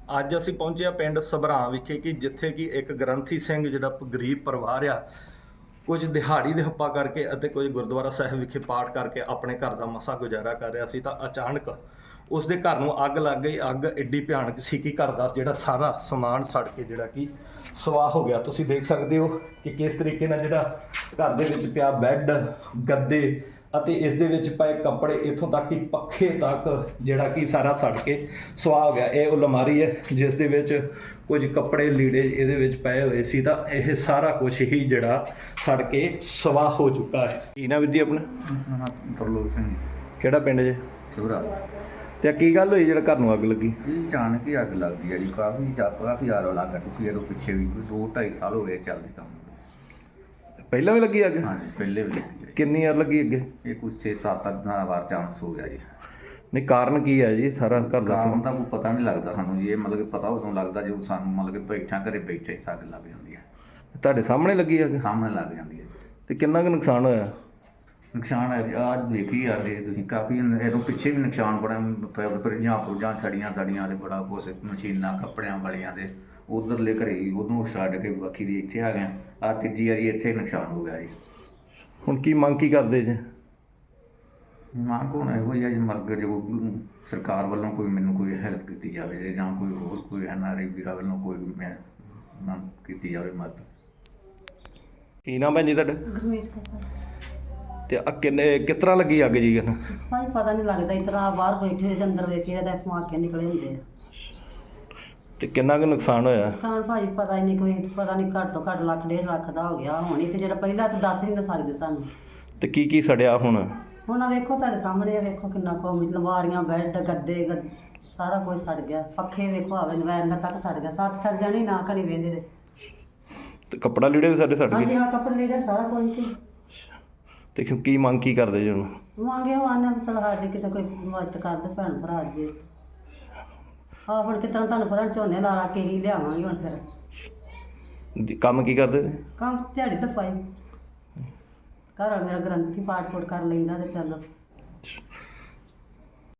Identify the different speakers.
Speaker 1: ਅੱਜ ਅਸੀਂ ਪਹੁੰਚੇ ਆ ਪਿੰਡ ਸਭਰਾਂ ਵਿਖੇ ਕਿ ਜਿੱਥੇ ਕਿ ਇੱਕ ਗ੍ਰੰਥੀ ਸਿੰਘ ਜਿਹੜਾ ਗਰੀਬ ਪਰਿਵਾਰ ਆ, ਕੁਝ ਦਿਹਾੜੀ ਦੇ ਹੱਪਾ ਕਰਕੇ ਅਤੇ ਕੁਝ ਗੁਰਦੁਆਰਾ ਸਾਹਿਬ ਵਿਖੇ ਪਾਠ ਕਰਕੇ ਆਪਣੇ ਘਰ ਦਾ ਮਸਾ ਗੁਜ਼ਾਰਾ ਕਰ ਰਿਹਾ ਸੀ ਤਾਂ ਅਚਾਨਕ ਉਸ ਦੇ ਘਰ ਨੂੰ ਅੱਗ ਲੱਗ ਗਈ। ਅੱਗ ਐਡੀ ਭਿਆਨਕ ਸੀ ਕਿ ਘਰ ਦਾ ਜਿਹੜਾ ਸਾਰਾ ਸਮਾਨ ਸੜ ਕੇ ਜਿਹੜਾ ਕਿ ਸਵਾਹ ਹੋ ਗਿਆ। ਤੁਸੀਂ ਦੇਖ ਸਕਦੇ ਹੋ ਕਿ ਕਿਸ ਤਰੀਕੇ ਨਾਲ ਜਿਹੜਾ ਘਰ ਦੇ ਵਿੱਚ ਪਿਆ ਬੈੱਡ, ਗੱਦੇ ਅਤੇ ਇਸ ਦੇ ਵਿੱਚ ਪਏ ਕੱਪੜੇ, ਇੱਥੋਂ ਤੱਕ ਕਿ ਪੱਖੇ ਤੱਕ ਜਿਹੜਾ ਕਿ ਸਾਰਾ ਸੜ ਕੇ ਸੁਆਹ ਹੋ ਗਿਆ। ਇਹ ਉਹ ਅਲਮਾਰੀ ਹੈ ਜਿਸ ਦੇ ਵਿੱਚ ਕੁਝ ਕੱਪੜੇ ਲੀੜੇ ਇਹਦੇ ਵਿੱਚ ਪਏ ਹੋਏ ਸੀ ਤਾਂ ਇਹ ਸਾਰਾ ਕੁਝ ਹੀ ਜਿਹੜਾ ਸੜ ਕੇ ਸੁਆਹ ਹੋ ਚੁੱਕਾ ਹੈ। ਕੀ ਨਾ ਵੀਰ ਜੀ ਆਪਣਾ?
Speaker 2: ਤਰਲੋਕ ਸਿੰਘ।
Speaker 1: ਕਿਹੜਾ ਪਿੰਡ ਜੇ?
Speaker 2: ਸਭਰਾ।
Speaker 1: ਤੇ ਕੀ ਗੱਲ ਹੋਈ ਜਿਹੜਾ ਘਰ ਨੂੰ ਅੱਗ ਲੱਗੀ?
Speaker 2: ਇਹ ਅਚਾਨਕ ਹੀ ਅੱਗ ਲੱਗਦੀ ਹੈ ਜੀ। ਕਾਫੀ ਆਰੋ ਲੱਗ ਚੁੱਕੀ ਹੈ। ਪਿੱਛੇ ਵੀ ਕੋਈ 2-2.5 ਸਾਲ ਹੋ ਗਏ ਚੱਲਦੀ ਕੰਮ।
Speaker 1: ਪਹਿਲਾਂ ਵੀ ਲੱਗੀ ਅੱਗ?
Speaker 2: ਹਾਂਜੀ, ਪਹਿਲੇ ਵੀ ਲੱਗੀ ਹੈ।
Speaker 1: ਕਿੰਨੀ ਵਾਰ ਲੱਗੀ ਅੱਗੇ?
Speaker 2: ਇਹ ਕੁਛ 6-7 ਵਾਰ ਚਾਂਸ ਹੋ ਗਿਆ ਜੀ।
Speaker 1: ਨਹੀਂ, ਕਾਰਨ ਕੀ ਹੈ ਜੀ? ਸਾਰਾ ਘਰ ਦਾ
Speaker 2: ਕਾਰਨ ਤਾਂ ਕੋਈ ਪਤਾ ਨਹੀਂ ਲੱਗਦਾ ਸਾਨੂੰ ਜੀ। ਇਹ ਮਤਲਬ ਕਿ ਪਤਾ ਉਦੋਂ ਲੱਗਦਾ ਜਦੋਂ ਸਾਨੂੰ ਮਤਲਬ ਕਿ ਘਰੇ ਬੈਠੇ ਅੱਗ ਲੱਗ ਜਾਂਦੀ ਹੈ।
Speaker 1: ਤੁਹਾਡੇ ਸਾਹਮਣੇ ਲੱਗੀ ਅੱਗ?
Speaker 2: ਸਾਹਮਣੇ ਲੱਗ ਜਾਂਦੀ ਹੈ।
Speaker 1: ਤੇ ਕਿੰਨਾ ਕੁ ਨੁਕਸਾਨ ਹੋਇਆ?
Speaker 2: ਨੁਕਸਾਨ ਹੈ ਆਹ ਦੇਖੀ ਆ ਰਹੇ ਤੁਸੀਂ, ਕਾਫੀ ਇਹਦੋਂ ਪਿੱਛੇ ਵੀ ਨੁਕਸਾਨ ਬੜਾ। ਫਰਿੱਜਾਂ ਛੜੀਆਂ ਦੇ ਬੜਾ ਕੁਛ, ਮਸ਼ੀਨਾਂ ਕੱਪੜਿਆਂ ਵਾਲੀਆਂ ਦੇ ਉਧਰਲੇ ਘਰੇ ਹੀ ਉਦੋਂ ਛੱਡ ਕੇ ਬਾਕੀ ਦੀ ਇੱਥੇ ਆ ਗਏ। ਆਹ ਤੀਜੀ ਵਾਰੀ ਇੱਥੇ ਨੁਕਸਾਨ ਹੋ ਗਿਆ ਜੀ।
Speaker 1: ਹੁਣ ਕੀ ਮੰਗ ਕੀ ਕਰਦੇ ਜੇ?
Speaker 2: ਮੰਗ ਹੁਣ ਇਹੋ ਹੀ ਆ ਜੀ, ਮਰਗ ਜੋ ਸਰਕਾਰ ਵੱਲੋਂ ਮੈਨੂੰ ਕੋਈ ਹੈਲਪ ਕੀਤੀ ਜਾਵੇ ਜਾਂ ਕੋਈ ਹੋਰ ਕੋਈ NRI ਵੀਰਾਂ ਵੱਲੋਂ ਕੋਈ ਮੰਗ ਕੀਤੀ ਜਾਵੇ ਮਦਦ।
Speaker 1: ਕੀ ਨਾਮ ਹੈ ਜੀ ਤੁਹਾਡਾ?
Speaker 3: ਗੁਰਮੀਤ ਕੌਰ।
Speaker 1: ਤੇ ਕਿਸ ਤਰ੍ਹਾਂ ਲੱਗੀ ਅੱਗ ਜੀ?
Speaker 3: ਭਾਈ ਪਤਾ ਨਹੀਂ ਲੱਗਦਾ, ਇਸ ਤਰ੍ਹਾਂ ਬਾਹਰ ਬੈਠੇ ਹੋਏ ਤੇ ਅੰਦਰ ਵੇਖੇ ਤਾਂ ਧਮਾਕੇ ਨਿਕਲੇ ਹੁੰਦੇ ਆ।
Speaker 1: ਤੇ ਕਿੰਨਾ ਕੁ ਨੁਕਸਾਨ ਹੋਇਆ?
Speaker 3: ਤਾਂ ਭਾਈ ਪਤਾ ਹੀ ਨਹੀਂ, ਕੋਈ ਪਤਾ ਨਹੀਂ, ਘੱਟ ਤੋਂ ਘੱਟ ਲੱਖ 1.5 ਲੱਖ ਦਾ ਹੋ ਗਿਆ ਹੋਣੀ। ਤੇ ਜਿਹੜਾ ਪਹਿਲਾਂ ਤਾਂ ਦੱਸ ਨਹੀਂ ਸਕਦੇ ਤੁਹਾਨੂੰ।
Speaker 1: ਤੇ ਕੀ ਸੜਿਆ ਹੁਣ?
Speaker 3: ਹੁਣ ਆ ਵੇਖੋ ਤੁਹਾਡੇ ਸਾਹਮਣੇ ਆ, ਵੇਖੋ ਕਿੰਨਾ ਕੁ ਲਵਾਰੀਆਂ, ਬੈੱਡ, ਗੱਦੇ, ਸਾਰਾ ਕੁਝ ਸੜ ਗਿਆ। ਪੱਖੇ ਵੇਖੋ, ਆਵੇ ਨਵੈਰ ਤੱਕ ਸੜ ਗਿਆ। 7 ਸੜ ਜਾਣੀ ਨਾ ਘੜੀ ਵੇਂਦੇ ਦੇ।
Speaker 1: ਤੇ ਕੱਪੜਾ ਲੀੜੇ ਵੀ ਸਾਡੇ ਸੜ
Speaker 3: ਹਾਂਜੀ
Speaker 1: ਗਏ?
Speaker 3: ਹਾਂ, ਕੱਪੜੇ ਲੀੜੇ ਸਾਰਾ ਕੁਝ ਕੀ।
Speaker 1: ਤੇ ਕੀ ਮੰਗ ਕੀ ਕਰਦੇ ਜੀ ਹੁਣ?
Speaker 3: ਮੰਗੇ ਉਹ ਆਨੇ ਵੀ ਚਲ ਸਾਡੀ ਕਿਤੇ ਕੋਈ ਮਦਦ ਕਰ ਦੇ ਭੈਣ ਭਰਾ ਜੀ। ਆਹ ਹੁਣ ਕਿਸ ਤਰ੍ਹਾਂ ਤੁਹਾਨੂੰ ਪਤਾ ਝੋਨੇ ਲਾ ਕੇ ਹੀ ਲਿਆਵਾਂਗੇ ਹੁਣ ਫਿਰ।
Speaker 1: ਕੰਮ ਕੀ ਕਰਦੇ ਨੇ?
Speaker 3: ਕੰਮ ਦਿਹਾੜੀ ਦਫਾਈ। ਘਰ ਵਾਲਾ ਮੇਰਾ ਗ੍ਰੰਥੀ ਪਾਠ ਪੂਠ ਕਰ ਲੈਂਦਾ ਤੇ ਚੱਲ।